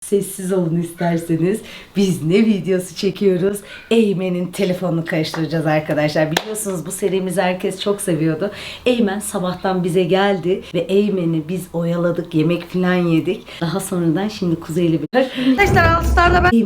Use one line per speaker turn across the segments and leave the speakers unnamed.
Sessiz olun isterseniz. Biz ne videosu çekiyoruz? Eymen'in telefonunu karıştıracağız arkadaşlar. Biliyorsunuz bu serimizi herkes çok seviyordu. Eymen sabahtan bize geldi ve Eymen'i biz oyaladık, yemek falan yedik. Daha sonradan şimdi Kuzey ile bir... Arkadaşlar Alstar'da ben...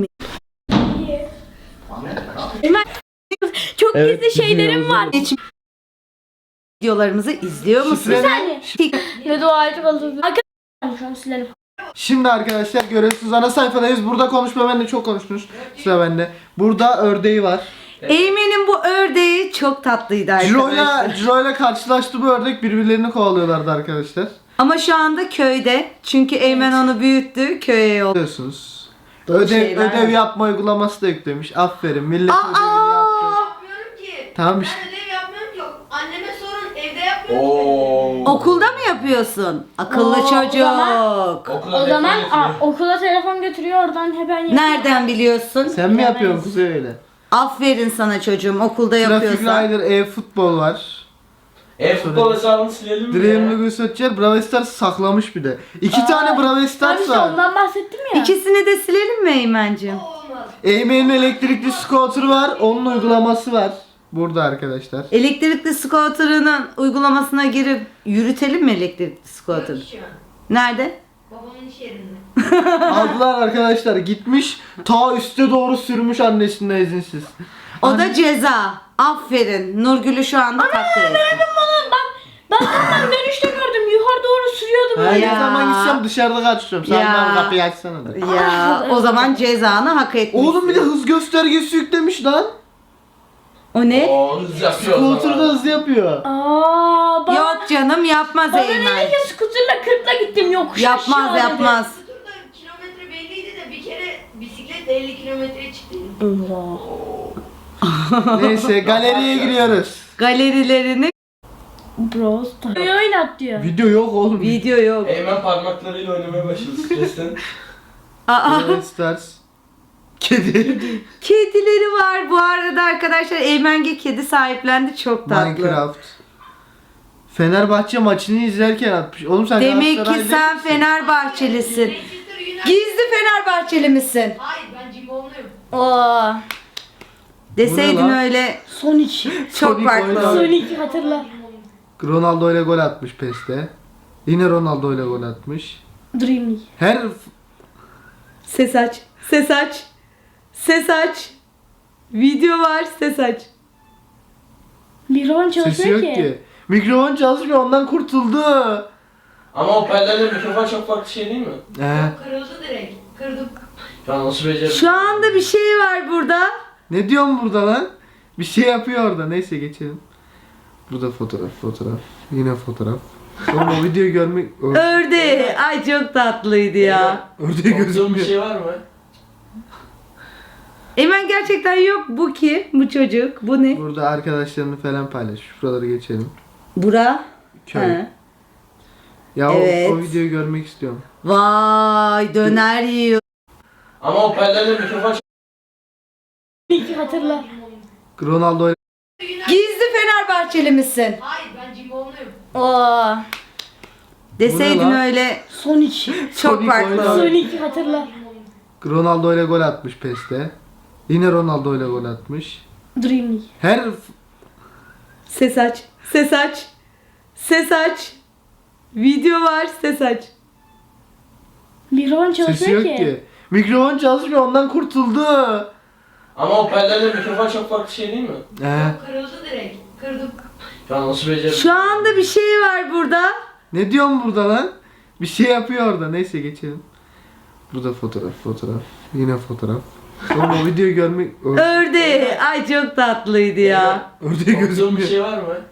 Eymen... Çok gizli şeylerim var. Videolarımızı izliyor musun?
Ne duacı kaldı. Arkadaşlar şu an silelim.
Şimdi arkadaşlar görüyorsunuz ana sayfadayız. Burada konuşma, ben de çok konuştunuz. Sıra bende. Burada ördeği var.
Eymen'in bu ördeği çok tatlıydı arkadaşlar.
Ciro'yla karşılaştı bu ördek, birbirlerini kovalıyorlardı arkadaşlar.
Ama şu anda köyde. Çünkü Eymen onu büyüttü, köye yol.
Biliyorsunuz.
şeyler
Ödev
var.
yapma uygulaması da yüklemiş. Aferin. Millet ödevini yaptı.
Yapmıyorum ki.
Tamam işte.
Ben ödev yapmıyorum ki. Anneme sorun, evde yapmıyorum ki.
Okulda mı yapıyorsun? Akıllı
Oo,
çocuk.
O zaman okula telefon götürüyor, oradan hemen yapıyor.
Nereden biliyorsun?
Sen mi yapıyorsun Kuzey öyle?
Aferin sana çocuğum, okulda
Traffic
yapıyorsan.
Rider, e-futbol var.
E-futbol hesabını silelim mi
Dream
ya?
League Searcher, Brawl Stars saklamış bir de. 2 tane Brawl
Ben
Stars
işte
var.
ondan bahsettim ya.
İkisini de silelim mi Eymen'cim?
Olmaz.
Eymen'in elektrikli scooter var. Onun uygulaması var. Burada arkadaşlar.
Elektrikli scooter'ının uygulamasına girip yürütelim mi elektrikli scooter'ı?
Yok şu an.
Nerede?
Babamın iş yerinde.
Aldılar arkadaşlar, gitmiş ta üste doğru sürmüş annesinden izinsiz.
O da ceza. Aferin. Nurgül'ü şu anda takdir ettim.
Ben ondan dönüşte gördüm, yukarı doğru sürüyordum.
Her
Ya.
ne zaman gitsem dışarıda kaçıyorum. Sen
Ya.
bana kapıyı açsana da.
Ya o zaman cezanı hak etmişsin.
Oğlum bir de hız göstergesi yüklemiş lan.
O ne?
Oo, hız yapıyor o
Scooter'da
zaman.
hız yapıyor.
Bana,
Yok canım yapmaz
bana
Eymen.
dedi ki skuterla 40'la gittim yokuş
Yapmaz
aşağı dedi.
yapmaz.
Turda kilometre belliydi de bir kere bisikletle 50 kilometreye çıktı.
Neyse galeriye giriyoruz.
Galerilerini
Bros. Oynat diyor.
Video yok oğlum.
video yok.
Eymen parmaklarıyla oynamaya başladı stresten.
Aa,
Brawl Stars. Kedi.
kedileri var bu arada arkadaşlar. Eymenge kedi sahiplendi, çok tatlı.
Minecraft. Fenerbahçe maçını izlerken atmış. Oğlum sen
Demek ki
Galatasaraylı
sen
misin?
Fenerbahçelisin.
Manchester United.
Gizli Fenerbahçeli misin?
Hayır, ben Cimbomluyum.
Oo.
Deseydin
Bu ne lan?
öyle
Sonic.
çok
Sonic
farklı
oynadı.
olur.
Sonic hatırla.
Ronaldo ile gol atmış PES'te. Yine Ronaldo ile gol atmış.
Dream League.
Her
Ses aç. Ses aç. Ses aç. Video var, ses aç.
Mikrofon
sesi
çalışmıyor
yok
ki.
ki. Mikrofon çalışmıyor, ondan kurtuldu.
Ama hoparlörle mikrofon çok farklı şey değil mi?
Kırıldı direkt. Kırdım.
Ya nasıl becerdin?
Şu anda bir şey var burada.
Ne diyorsun burada lan? Bir şey yapıyor orada. Neyse geçelim. Burada fotoğraf. Yine fotoğraf. Oğlum o videoyu görmek...
Ördeği. Ay çok tatlıydı ya.
Ördeği
Korktuğun bir
gözükmüyor.
şey var mı?
Eymen gerçekten yok. Bu ki? Bu çocuk. Bu ne?
Burada arkadaşlarını falan paylaşmış. Şuraları geçelim.
Bura.
Köy.
Ha.
Ya
Evet.
o videoyu görmek istiyorum.
Vay döner yiyor.
Ama hoparlörle mikrofon çok...
Sonic hatırla.
Ronaldo ile...
Gizli Fenerbahçeli misin?
Hayır, ben Cimbomluyum.
Oo.
Deseydin
Bu ne lan?
öyle
Sonic.
çok
Sonic
farklı
oynadı.
olur.
Sonic hatırla.
Ronaldo ile gol atmış PES'te. Yine Ronaldo ile gol atmış.
Dream League.
Her
Ses aç. Ses aç. Ses aç. Video var, ses aç.
Mikrofon
sesi
çalışmıyor
yok ki. Mikrofon çalışmıyor, ondan kurtuldu.
Ama hoparlörle mikrofon çok farklı şey değil mi?
Kırıldı direkt. Kırdım.
Ya nasıl becerdin?
Şu anda bir şey var burada.
Ne diyorsun burada lan? Bir şey yapıyor orada. Neyse geçelim. Burada fotoğraf. Yine fotoğraf. Oğlum o videoyu görmek...
Ördeği. Ay çok tatlıydı ya.
Ördeği
Korktuğun bir
gözükmüyor.
şey var mı?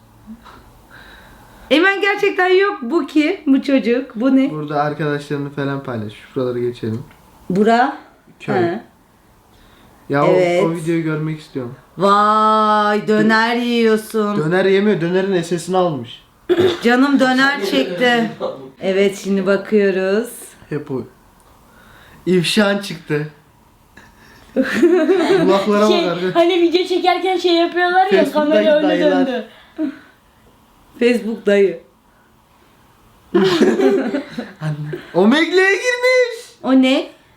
Eymen gerçekten yok. Bu ki? Bu çocuk. Bu ne?
Burada arkadaşlarını falan paylaşmış. Şuraları geçelim.
Bura.
Köy.
Ha.
Ya
Evet.
o videoyu görmek istiyorum.
Vay döner yiyorsun.
Döner yemiyor. Dönerin SS'ini almış.
Canım döner çekti. Evet şimdi bakıyoruz.
Hep o. İfşan çıktı. Kulaklara bak arkadaş.
Hani video çekerken şey yapıyorlar ya,
Facebook'taki
kamera öyle
dayılar.
döndü.
Facebook dayı.
Omegle'ye girmiş.
O ne?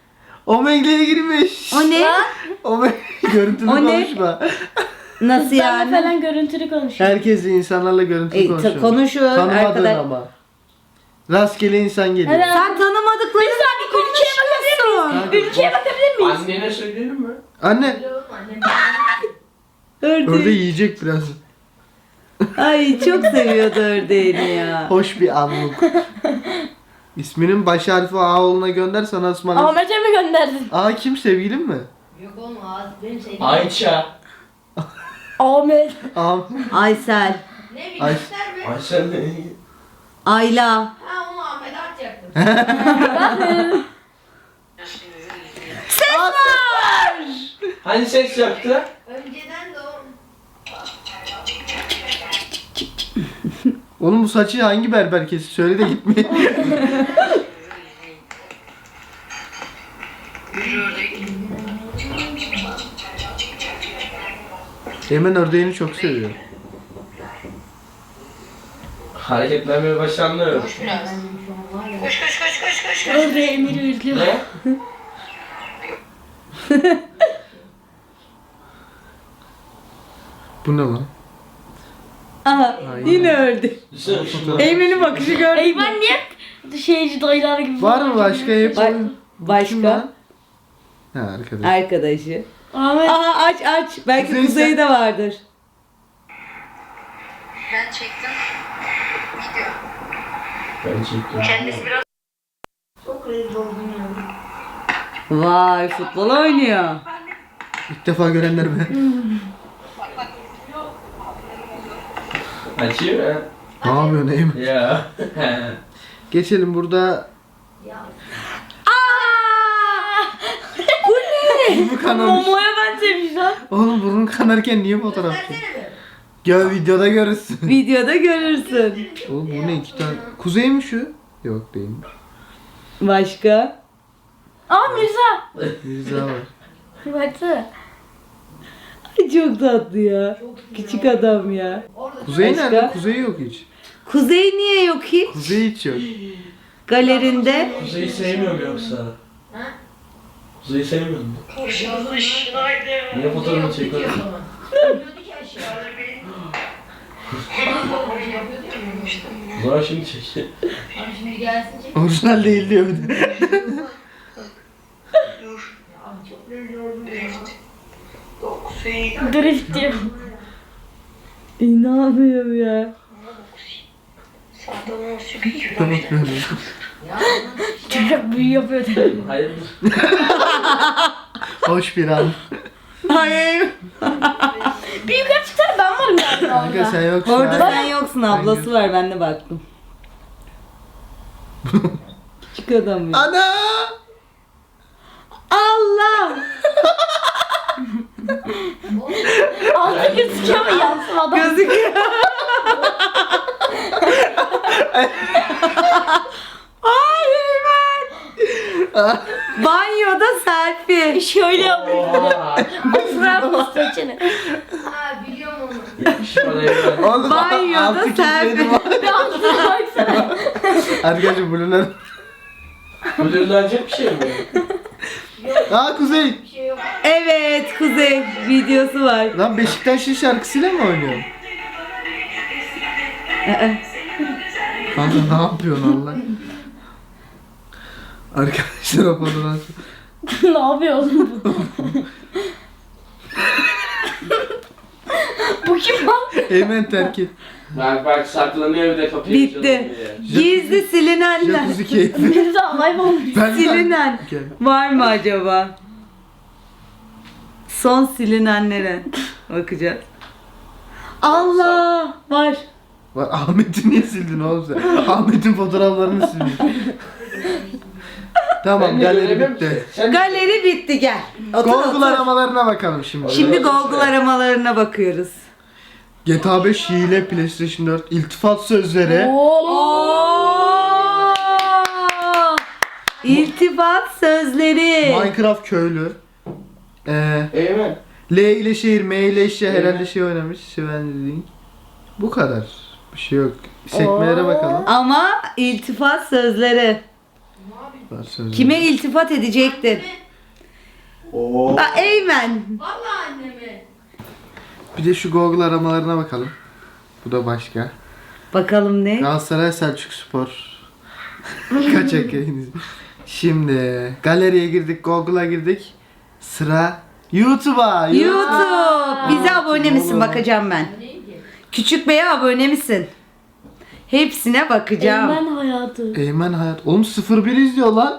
Omegle'ye girmiş.
O ne?
Görüntülü
O ne?
konuşma.
Nasıl
Benle
yani?
falan görüntülü konuşuyor.
Herkes insanlarla görüntülü konuşuyor.
Konuşun
Tanımadığın
arkadaş.
ama. Rastgele insan geliyor.
Evet.
Sen tanımadıklarını konuşuyorsun.
Ülkeye bakabilir miyiz?
Annene söyleyelim mi?
Anne,
Biliyorum annem.
ördeği
Ördeği.
yiyecek biraz.
Ay çok seviyordu ördeğini ya.
Hoş bir anlık. İsminin baş harfi A olduğuna gönder sana ısmarlasın.
Ahmet'e mi gönderdin?
A kim, sevgilin mi?
Yok oğlum ağız benim sevdiğim.
Ayça.
Ahmet.
A.
Aysel.
Ne
Ay.
bilgisler be?
Ayça ne?
Ayla.
Ha onu Ahmet'e atacaktım.
Ses var.
Hani seks yaptı?
Önceden de o.
Oğlum bu saçı hangi berber kesti? Söyle de gitmeyin. Eymen ördeğini çok seviyor.
Hareketlenmeye başlandı.
Koş biraz. Koş koş koş koş koş.
Ördeği Emir'i üzüyor.
Ne?
Bu ne lan?
Aha yine ördü.
Düşünsene şunu.
Eymen'in bakışı gördün
Ey
mü?
ben niye şeyci dayılar gibi
Var mı başka hep?
Ba-
Kim
başka?
lan? Ha arkadaş.
Arkadaşı.
Ahmet.
Aha aç. Belki
Kuzey
Kuzey'de vardır.
Ben çektim. Video.
Ben çektim.
Kendisi biraz çok rezil oldum yani.
Vay futbol oynuyor.
İlk defa görenler be.
Açayım mı?
Ne yapıyorsun Eymen?
Ya.
Geçelim burada.
Bu ne?
Burnu kanamış.
Momo'ya benzemiş lan.
Oğlum burnun kanarken niye fotoğraf çekiyorsun?
Versene be.
Gör videoda görürsün.
Videoda görürsün.
Oğlum bu ne, iki tane? Kuzey mi şu? Yok değilmiş.
Başka?
Aa Mirza.
Mirza var.
Baksana.
Ay çok tatlı ya. Küçük adam ya.
Orada
Kuzey
Başka?
nerede? Kuzey yok hiç.
Kuzey niye yok hiç?
Kuzey hiç yok.
Galerinde.
Kuzey'i sevmiyorum yoksa.
Ha?
Kuzey'i sevmiyor musun?
Koşulmuş.
Niye fotoğrafını çekiyorsun?
Diyordu ki aşağı. Yapıyordu ya.
O zaman şimdi çek.
Abi şimdi gelsin çek.
Orijinal değil diyor bir de.
Abi çok rezil oldum ya.
Drift diyor.
İnanmıyorum ya.
Tamam böyle.
Ya
Çocuk büyü yapıyor.
Hayır.
Hoş bir an.
Hayır.
Bir yukarı çıksana ben varım yani
Kanka
orada.
sen yoksun.
Orada
ha.
sen yoksun. Ablası var. Ben de baktım. Küçük adam ya.
Ana!
Allah!
Altı gözüküyor ama yansın adam.
Gözüküyor. Ay Eymen. Banyoda selfie.
Şöyle yapıyor.
Oha.
Bırak usta içine.
ha biliyorum onu.
Yakışık bana evlen.
Oğlum
Banyoda
altı
selfie.
kilitleri var.
Bir altına baksana.
Arkadaşlar bunlar.
Bu dönülecek bir şey mi?
Aa Kuzey.
Bir şey yok.
Evet Kuzey videosu var.
Lan Beşiktaş'ın şarkısıyla mı oynuyorsun? Kanka ne yapıyorsun Allah? Arkadaşlar o fotoğraf.
Ne yapıyor oğlum bu? Bu kim lan?
Eymen terk et.
Bak saklanıyor bir de kapıyı
Bitti.
çalıyor diye.
Gizli silinenler.
Jacuzzi keyfi.
Mirza hayvan.
Silinen.
Gel.
Var mı acaba? Son silinenlere bakacağız. Allah var.
Bak Ahmet'i niye sildin oğlum sen? Ahmet'in fotoğraflarını sildin. Tamam
Ben de
galeri
göremiyorum
bitti.
ki. Sen
Galeri bitti gel. Otur,
Google
otur.
aramalarına bakalım şimdi.
Şimdi Google aramalarına bakıyoruz.
GTA 5 hile, PlayStation 4, iltifat sözleri.
Oo! İltifat sözleri.
Minecraft köylü.
Eymen.
L ile şehir, M ile eşya herhalde şey oynamış. Svenling. Bu kadar. Bir şey yok. Sekmelere
Oo.
bakalım.
Ama iltifat sözleri.
Var sözleri.
Kime iltifat edecektin?
Oo.
Eymen.
Vallahi annemi.
Bir de şu Google aramalarına bakalım. Bu da başka.
Bakalım ne?
Galatasaray Selçuk Spor. Kaçak yayınız. Şimdi galeriye girdik, Google'a girdik. Sıra YouTube'a.
YouTube. Bize abone misin?
Oğlum.
Bakacağım ben.
Neydi?
Küçük Bey'e abone misin? Hepsine bakacağım.
Eymen hayatı.
Eymen Hayat. Oğlum 01 izliyor lan.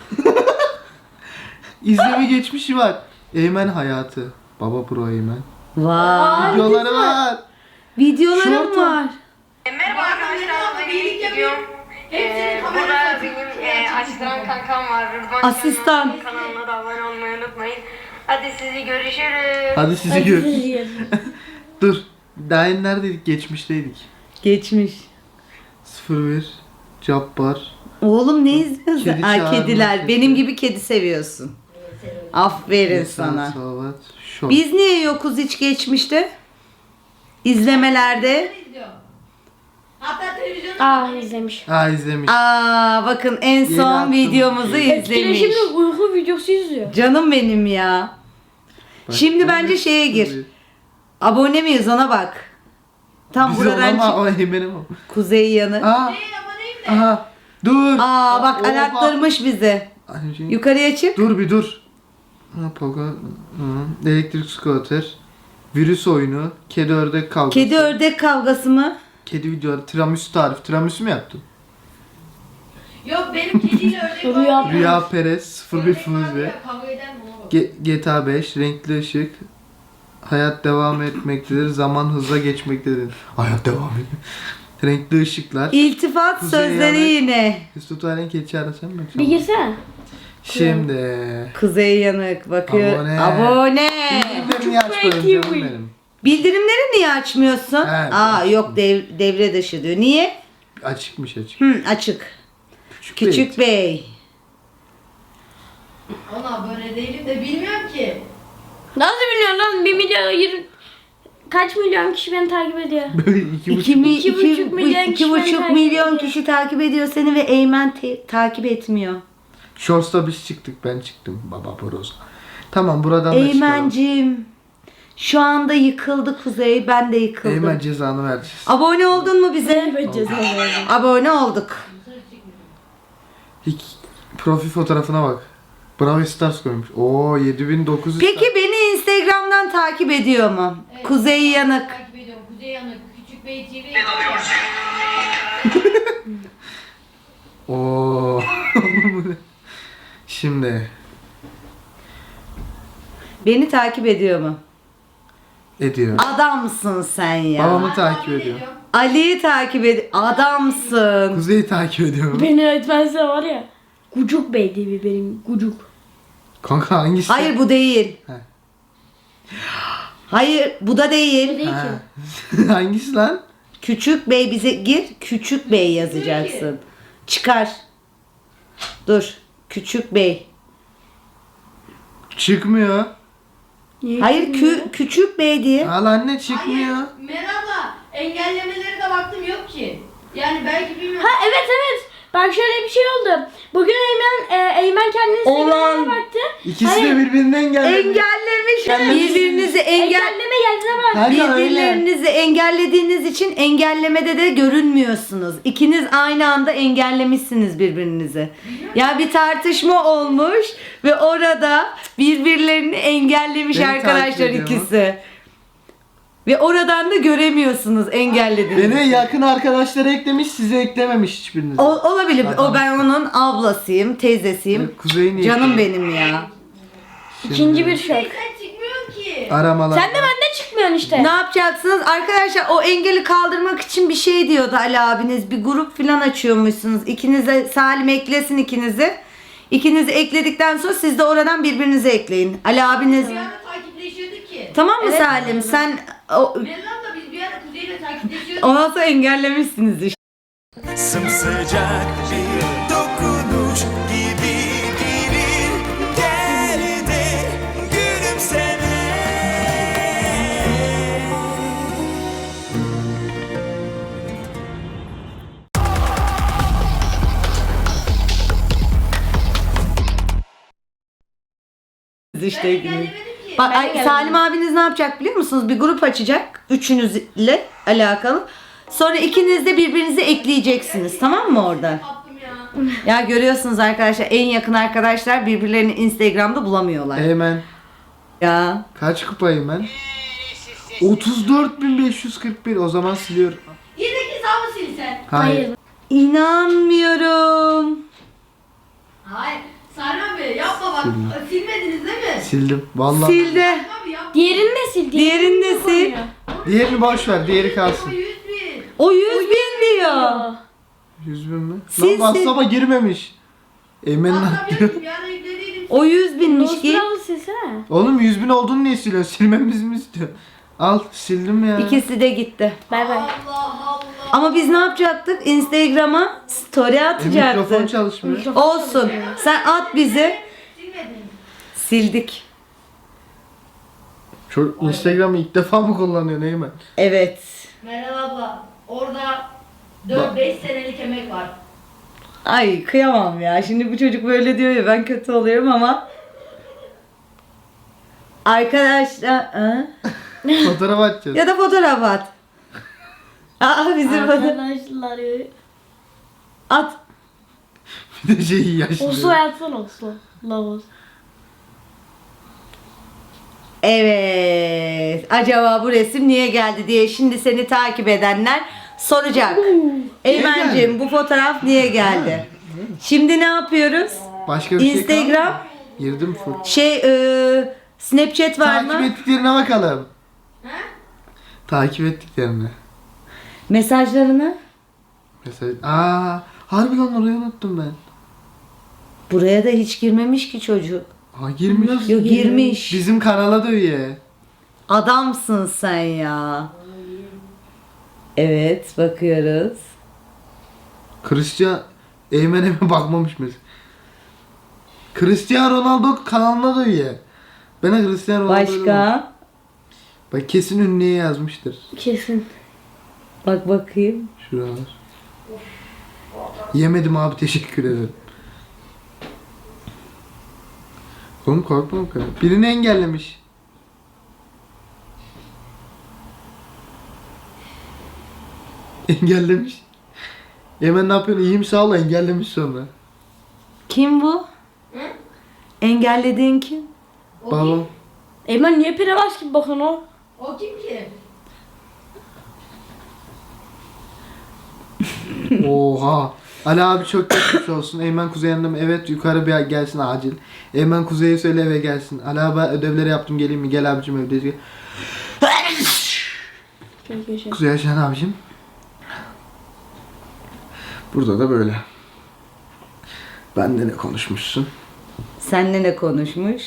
İzleme geçmişi var. Eymen Hayatı. Baba Pro Eymen.
Vay.
Videoları var.
Videolarım
Şortu.
var.
Merhaba arkadaşlar, bugün ilk videom. Burada benim asistan kankam var. Rıdvan
Asistan.
Can'ın kanalına da abone olmayı unutmayın. Hadi sizi görüşürüz.
Hadi sizi gör. Dur. Daha yeni neredeydik? Geçmişteydik.
Geçmiş.
01 Cabbar.
Oğlum ne izliyorsun?
Kedi
Ay
çağırma
kediler.
sesi.
Benim gibi kedi seviyorsun. Aferin sana.
Salavat. Şort.
Biz niye yokuz hiç geçmişte? İzlemelerde.
İzliyor. Hatta televizyonda
İzlemiş.
Aa izlemiş.
Aa bakın en
Yeni
son
attım.
videomuzu izlemiş.
Etkileşimli uyku videosu izliyor.
Canım benim ya.
Bak,
Şimdi
bu
bence
ne?
şeye gir. Abone miyiz ona bak. Tam
Biz
buradan
olan
çık.
o Eymen'im o.
Kuzey yanı.
Aa.
değil ama neyim de.
Aha. Dur.
Aa bak
Oha.
arattırmış bizi.
Ay, şey-
Yukarıya çık.
Dur bir dur. Ha, Pogo. Hı. Elektrik scooter. Virüs oyunu. Kedi ördek kavgası.
Kedi ördek kavgası mı?
Kedi videoları. Tiramisu tarif. Tiramisu mu yaptın?
Yok benim kediyle ördek
Rüya-
var.
Rüya Perez. 01
Ördek var
Fuzi.
ya, kavga eder mi ona bak.
GTA 5. Renkli ışık. Hayat devam etmektedir. Zaman hızla geçmektedir. Hayat devam ediyor. Renkli ışıklar.
İltifat
Kuzey
sözleri
yanı.
yine.
Mesut Alen kedi çağırasın mı?
Bir girsene.
Şimdi.
Kuzey yanık bakıyor.
Abone.
Abone.
Bildirimleri niye açmadın
Çok
canım
iyi.
benim?
Bildirimleri niye açmıyorsun?
Evet,
Aa
açtım.
yok devre dışı diyor. Niye?
Açıkmış açık.
Açık. Küçük Bey.
Ona abone değilim de bilmiyorum ki.
Nasıl biliyorsun lan? 1 milyon 20... Kaç milyon kişi beni takip ediyor?
Böyle 2,5.
2,5 milyon kişi beni
2,5
takip
milyon
ediyor.
kişi takip ediyor seni ve Eymen takip etmiyor.
Shorts'ta biz çıktık, ben çıktım. Baba Bros. Tamam, buradan da çıkalım.
Eymencim. Şu anda yıkıldı Kuzey. Ben de yıkıldım.
Eymen cezanı vereceğiz.
Abone oldun mu bize?
Evet ceza verdim.
Abone olduk.
İlk profil fotoğrafına bak. Bravo Stars koymuş. Oo 7900.
Peki beni Instagram'dan takip ediyor mu?
Evet.
Kuzey Yanık.
Takip ediyorum. Kuzey Yanık, Küçük Bey TV.
Oo. Şimdi
Beni takip ediyor mu?
ediyor.
Adamsın sen ya.
Babamı takip ediyor.
Ali'yi takip ediyor. Adamsın.
Kuzey'i takip ediyor mu?
Beni öğretmense var ya. Gucuk Bey diye bir benim Gucuk.
Kanka hangisi?
Hayır bu değil.
He.
Hayır bu da değil.
Değil
Ha.
ki.
Hangisi lan?
Küçük Bey bize gir. Küçük Bey yazacaksın. Çıkar. Dur. Küçük Bey.
Çıkmıyor.
Niye
Hayır
bilmiyorum?
Küçük Bey diye.
Al anne çıkmıyor.
Hayır, Merhaba. Engellemeleri de baktım yok ki. Yani belki bilmiyorum.
Ha evet. Bak şöyle bir şey oldu. Bugün Eymen kendini
Olan.
Instagram'ına baktı.
İkisi
Hayır.
de birbirinden engelledi.
Engellemiş. Birbirinizi
Engelleme geldiğine bak.
Kanka öyle.
Birbirlerinizi engellediğiniz için engellemede de görünmüyorsunuz. İkiniz aynı anda engellemişsiniz birbirinizi. Ya bir tartışma olmuş ve orada birbirlerini engellemiş
Beni
arkadaşlar
takip ediyor mu?
ikisi. Ve oradan da göremiyorsunuz engellediğiniz.
Beni yakın arkadaşlara eklemiş, size eklememiş hiçbiriniz.
Olabilir.
Adam.
O ben onun ablasıyım, teyzesiyim.
Kuzey'in
Canım benim ya.
İkinci bir şok.
Sen çıkmıyorsun ki.
Aramalar.
Sen de benden çıkmıyorsun işte.
Ne yapacaksınız? Arkadaşlar o engeli kaldırmak için bir şey diyordu Ali abiniz. Bir grup falan açıyormuşsunuz. İkinize Salim eklesin ikinizi. İkinizi ekledikten sonra siz de oradan birbirinizi ekleyin. Ali abiniz.
Bir ara takipleşiyorduk ki.
Tamam mı
Evet.
Salim? Sen
Meryem'le biz bir ara Kuzey'le takipleşiyorduk.
ondan sonra engellemişsiniz işte.
Sımsıcak bir dokunuş
işte.
engellemedim ki.
Bak
Ben
ay,
geldim.
Salim abiniz ne yapacak biliyor musunuz? Bir grup açacak. Üçünüzle alakalı. Sonra ikiniz de birbirinizi ekleyeceksiniz. Tamam mı oradan?
Yaptım ya.
Ya görüyorsunuz arkadaşlar, en yakın arkadaşlar birbirlerini Instagram'da bulamıyorlar.
Eymen.
Ya.
Kaç kupayım ben? 34.541. O zaman siliyorum.
Yedek hesabı sil sen.
Hayır.
İnanmıyorum.
Hayır. Salim abi yapma bak. Silmediniz değil mi?
Sildim. Vallahi.
Sildi.
Abi yapma.
Diğerini de sil.
Diğerini de sil.
Diğerini boş ver. Diğeri kalsın.
100 bin.
O 100.000 diyor.
100 bin mi?
Sil,
Lan
sil.
WhatsApp'a girmemiş. Eymen ne yapıyor?
Anlamıyorum. Bir ara yüklediydim.
O 100.000'miş ki.
Nostrav'ı silsene.
Oğlum 100 bin olduğunu niye siliyorsun? Silmemizi mi istiyor? Al sildim ya.
İkisi de gitti.
Bay bay.
Allah Allah.
Ama biz ne yapacaktık? Instagram'a story
Mikrofon
atacaktık.
çalışmıyor.
Olsun. Sen at bizi.
Silmedin.
Sildik.
Şu Instagram'ı ilk defa mı kullanıyor Eymen?
Evet.
Meral abla orada 4-5 senelik emek var.
Ay kıyamam ya. Şimdi bu çocuk böyle diyor ya, ben kötü oluyorum ama. Arkadaşlar. Ha?
Fotoğraf atacağız.
Ya da fotoğraf at. Aa bizim fotoğraf.
Arkadaşlar.
At.
Bir de şeyi
Oslo
yaşlıyor.
yatsana Oslo. Lavos.
Evet. Acaba bu resim niye geldi diye şimdi seni takip edenler soracak. Eymen'cim bu fotoğraf niye geldi? Şimdi ne yapıyoruz?
Başka bir şey
Instagram,
kaldı mı? Girdim full.
Snapchat var
Takip
mı?
ettiklerine bakalım.
He?
Takip ettiklerine.
Mesajlarını?
Mesela harbi lan orayı unuttum ben.
Buraya da hiç girmemiş ki çocuk.
Ha girmiş.
Yok girmiş.
Bizim kanala da üye.
Adamsın sen ya. Evet bakıyoruz.
Cristiano Eymen'e mi bakmamış mesela? Cristiano Ronaldo kanalına da üye. Ben de Cristiano Ronaldo'yu
Başka?
Bak kesin ünlüye yazmıştır.
Kesin.
Bak bakayım.
Şuralar. Yemedim abi teşekkür ederim. Oğlum korkma o kadar. Birini engellemiş. Engellemiş. Hemen ne yapıyorsun? İyiyim sağ ol engellemiş sonra.
Kim bu?
Hı?
Engellediğin kim?
O
Babam.
Eymen niye pirevaş gibi bakın o?
O kim ki?
Oha. Ali abi çok geçmiş olsun. Eymen Kuzey yanında evet yukarı bir gelsin acil. Eymen Kuzey'e söyle eve gelsin. Ali abi ödevleri yaptım geleyim mi? Gel abicim evde. Kuzey Yaşayan abicim. Burada da böyle. Bende ne konuşmuşsun?
Seninle ne konuşmuş?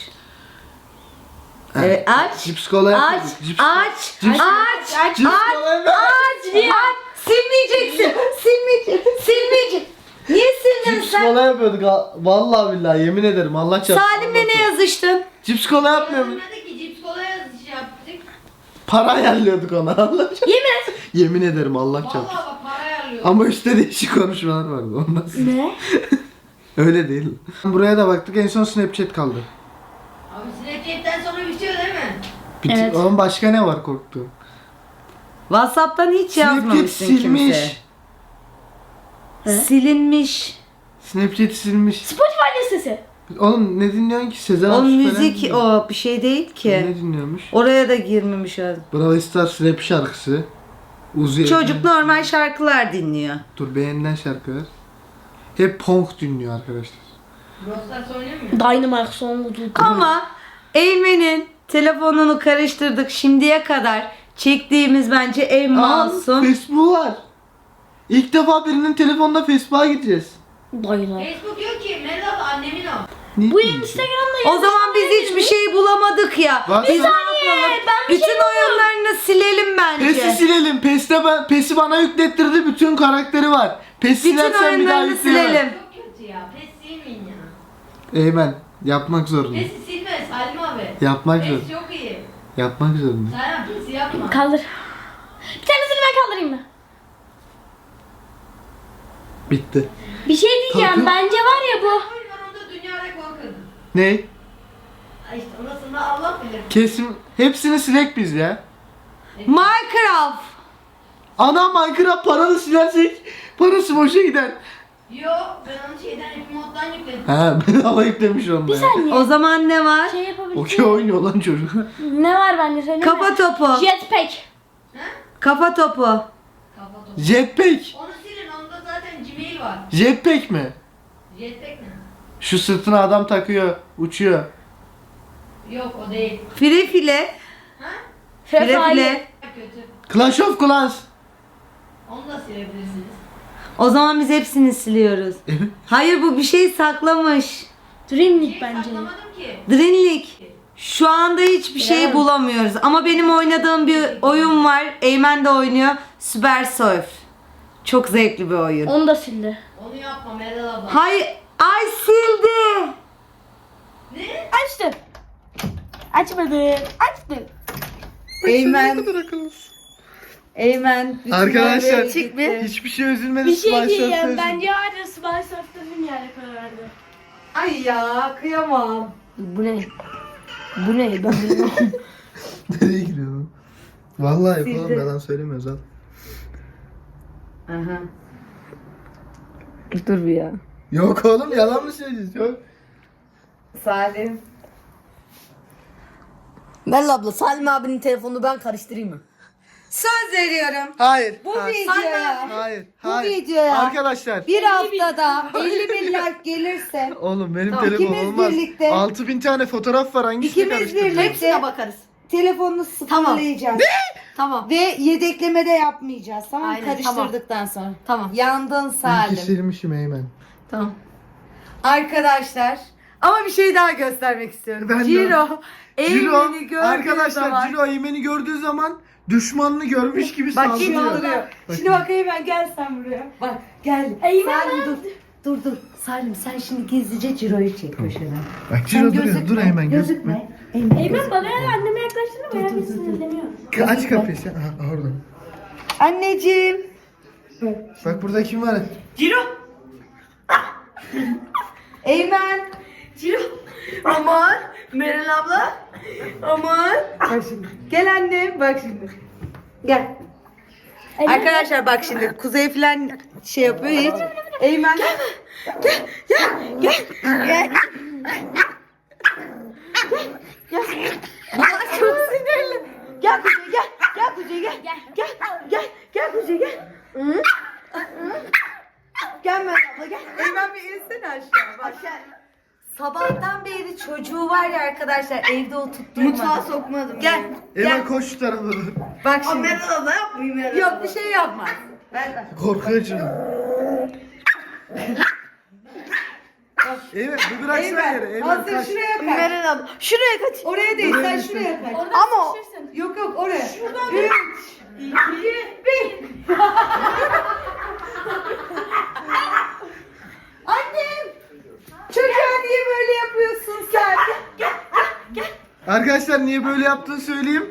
Evet aç.
Cips kola
Aç.
yapıyorduk. Cips,
Aç.
cips,
Aç.
cips kola yapıyorduk.
Aç. Silmeyeceksin. Silmeyeceksin. Silmeyeceksin. Niye sildin
Cips
sen?
kola yapıyorduk. Vallahi billahi yemin ederim Allah çarpsın.
Salim'le ne yazıştın?
Cips kola yapmıyorum.
Yazmadı ki cips kola yazışı yaptık.
Para ayarlıyorduk ona Allah çarpsın. Yemin ederim Allah çarpsın.
Vallahi bak para ayarlıyor.
Ama üstte değişik konuşmalar vardı ondan sonra.
Ne?
Öyle değil. Buraya da baktık en son Snapchat kaldı.
Abi Snapchat'ten sonra bitiyor değil mi?
Evet.
Oğlum başka ne var korktuğum?
WhatsApp'tan hiç
Snapchat
yazmamışsın
silmiş.
kimse. Silinmiş.
Snapchat silmiş.
Spotify listesi.
Oğlum ne dinliyorsun ki? Sezen
O
Aksu falan
müzik
dinliyor.
o bir şey değil
Ne
ki.
dinliyormuş?
Oraya da girmemiş o.
Brawl Stars rap şarkısı. Uzi
Çocuk normal şarkılar dinliyor.
Dur beğenilen şarkılar. Hep punk dinliyor arkadaşlar.
Rostas oynuyor mu?
Dynamite sonlu
Ama Eymen'in telefonunu karıştırdık şimdiye kadar çektiğimiz bence en masum.
Facebook var. İlk defa birinin telefonuna Facebook'a gideceğiz.
Dynamite.
Facebook yok ki. Meral annemin o.
Ne
Bu
diyeyim ki?
Instagram'da
O zaman biz hiçbir şey bulamadık ya.
Bak
Biz
sen-
ne yapalım?
ben bir
Bütün
şey
oyunlarını silelim
PES'i
bence.
silelim. PES'i bana yüklettirdi. Bütün karakteri var. PES
Bütün
silersen bir daha
oyunlarını
yükleyemem.
silelim.
Çok kötü ya. Pes silmeyin ya.
Eymen yapmak zorunda.
Pes'i silme Salim abi.
Yapmak
Pes
zorunda.
çok iyi.
Yapmak zorunda.
Salim Pes'i yapma.
Kaldır. Bir tanesini ben kaldırayım mı?
Bitti.
Bir şey diyeceğim.
Kalkın.
Bence var ya bu.
Oyun var onda dünya rekoru kırdı.
Ne?
Ay işte orasını Allah bilir.
Kesin hepsini silek biz ya.
Minecraft.
Ana Minecraft paralı silersek parası boşa gider.
Yo ben onu şeyden Happy Mod'dan yükledim.
Ha bedava yüklemiş onu.
Bir saniye.
O zaman ne var?
Şey yapabilirsin.
Okey oynuyor lan çocuk.
Ne var bende söyleyeyim mi?
Kafa topu.
Jetpack.
Kafa topu.
Kafa topu.
Jetpack.
Onu silin onda zaten Gmail var.
Jetpack mi?
Jetpack ne?
Şu sırtına adam takıyor, uçuyor.
Yok o değil.
File file.
Ha?
File
Fefali.
file.
Kötü.
Clash of Clans.
Onu da silebilirsiniz.
O zaman biz hepsini siliyoruz.
Evet.
Hayır bu bir şey saklamış.
Dream League
Şey
bence.
saklamadım ki.
Drinlik. Şu anda hiçbir şey bulamıyoruz. Ama benim oynadığım bir oyun var. Eymen de oynuyor. Super Surf. Çok zevkli bir oyun.
Onu da sildi.
Onu yapma Meral abla.
Hayır. Ay sildi.
Ne?
Açtım. Açmadım. Açtım.
Eymen. Eymen. bütün
Arkadaşlar
yerlere gitti.
hiçbir şey üzülmedi.
Bir şey
Smash
diyeyim.
Surf'te
Bence hala Smile Surf'tan yani karar verdi.
Ay ya kıyamam.
Bu ne? Bu ne? Ben bilmiyorum.
Nereye gidiyorsun? Vallahi yapalım
Sildi.
yalan söylemiyoruz al.
Aha.
Dur bir ya.
Yok oğlum yalan mı söylüyorsun? Yok.
Salim.
Merhaba abla, Salim abinin telefonunu ben karıştırayım mı?
Söz veriyorum.
Hayır.
Bu
hayır.
videoya
Hayır.
Bu
Hayır.
videoya
Arkadaşlar.
bir haftada 50 bin like gelirse
Oğlum benim
Tamam,
telefonum
ikimiz
olmaz.
birlikte-
6000 tane fotoğraf var hangisini
ikimiz
karıştıracağım?
birlikte
Hepsine bakarız.
telefonunu sıfırlayacağız.
Tamam.
Ve yedekleme de yapmayacağız. Tamam mı?
Aynen,
Karıştırdıktan sonra.
Tamam.
Yandın
İyi ki
Salim.
silmişim Eymen.
Tamam.
Arkadaşlar ama bir şey daha göstermek istiyorum.
Ben de.
Ciro
Ciro
Eymen'i gördüğü
arkadaşlar
zaman
Ciro Eymen'i gördüğü zaman düşmanını görmüş gibi
bak
saldırıyor.
şimdi oluyor. Şimdi bak Eymen gel sen buraya. Bak gel. Salim dur. Dur. Salim sen şimdi gizlice Ciro'yu çek köşeden.
Bak
Sen
Ciro duruyor.
gözükme,
Dur Eymen gözükme.
gözükme. Eymen
Eymen bana ya anneme yaklaştığında bayağı bir sinirleniyor.
Aç kapıyı sen. Aha orada.
Anneciğim.
Bak burada kim var?
Ciro.
Eymen.
Ciro. Aman. Meral abla. Aman.
Bak şimdi. Gel annem bak şimdi. Gel. Arkadaşlar bak şimdi Kuzey falan şey yapıyor hiç. Eymen. Aa, çok sinirli. Gel Kuzey gel. Gel Kuzey gel. Gel Kuzey gel. Hı? Gel Meral abla gel. Eymen bir insene aşağı. Bak. Sabahtan beri çocuğu var ya arkadaşlar evde oturtturmadım.
Mutfağa sokmadım.
Gel.
Eymen koş şu tarafa doğru.
Bak
Aa,
şimdi.
Meral abla yapmayayım Meral
Yok
abla.
bir şey yapmaz. Ver.
Korkuyor canım. Eymen bir bıraksana yere.
Eymen
Eymen
hazır
kaç.
şuraya kaç.
Meral abla. Şuraya kaç.
Oraya değil sen
düşün.
şuraya kaç.
Ama
Yok oraya. 3, 2, 1. Annem. Çocuğa niye böyle yapıyorsun sen?
Arkadaşlar niye böyle yaptığını söyleyeyim.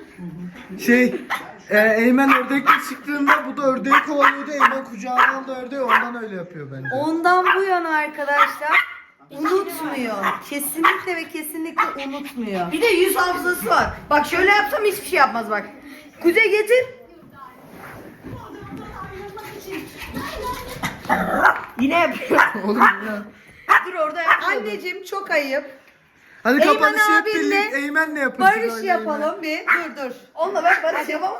Eymen ördekle çıktığında bu da ördeği kovalıyordu. Eymen kucağına aldı ördeği ondan öyle yapıyor bence.
Ondan bu yana arkadaşlar unutmuyor. Kesinlikle ve kesinlikle unutmuyor.
bir de yüz hafızası var. Bak şöyle yapsam hiçbir şey yapmaz bak. Kuzey getir. Yine yapıyor.
Oğlum ya.
Dur orada yapma.
Anneciğim çok ayıp.
Hadi
Eymen
kapanışı hep
abinle
birlikte Eymen'le yapın.
Barış yapalım bir. Dur.
Onunla ben barış yapamam.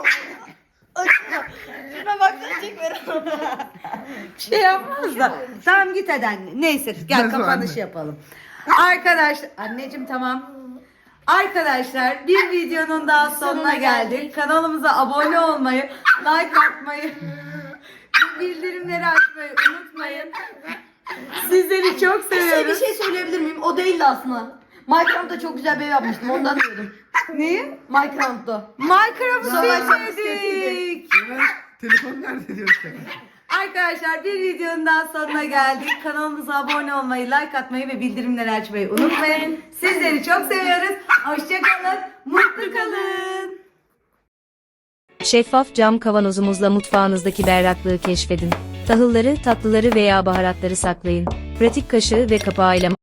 Şuna baksana çek Meral abla.
Şey yapmaz da. Tamam git hadi anne. Neyse gel
Nasıl
kapanış
anne?
yapalım. Arkadaşlar anneciğim tamam. Arkadaşlar bir videonun daha sonuna geldik. Kanalımıza abone olmayı, like atmayı, bildirimleri açmayı unutmayın. Sizleri çok
Size bir
seviyoruz.
şey söyleyebilir miyim? O değildi aslında. Minecraft'ta çok güzel bir ev yapmıştım. Ondan diyordum.
Neyi?
Minecraft'ta.
Minecraft'ı
Savaş
sevmedik.
Eymen telefon nerede diyor ki?
Arkadaşlar bir videonun daha sonuna geldik. Kanalımıza abone olmayı, like atmayı ve bildirimleri açmayı unutmayın. Sizleri çok seviyoruz. Hoşçakalın, mutlu kalın.
Şeffaf cam kavanozumuzla mutfağınızdaki berraklığı keşfedin. Tahılları, tatlıları veya baharatları saklayın. Pratik kaşığı ve kapağıyla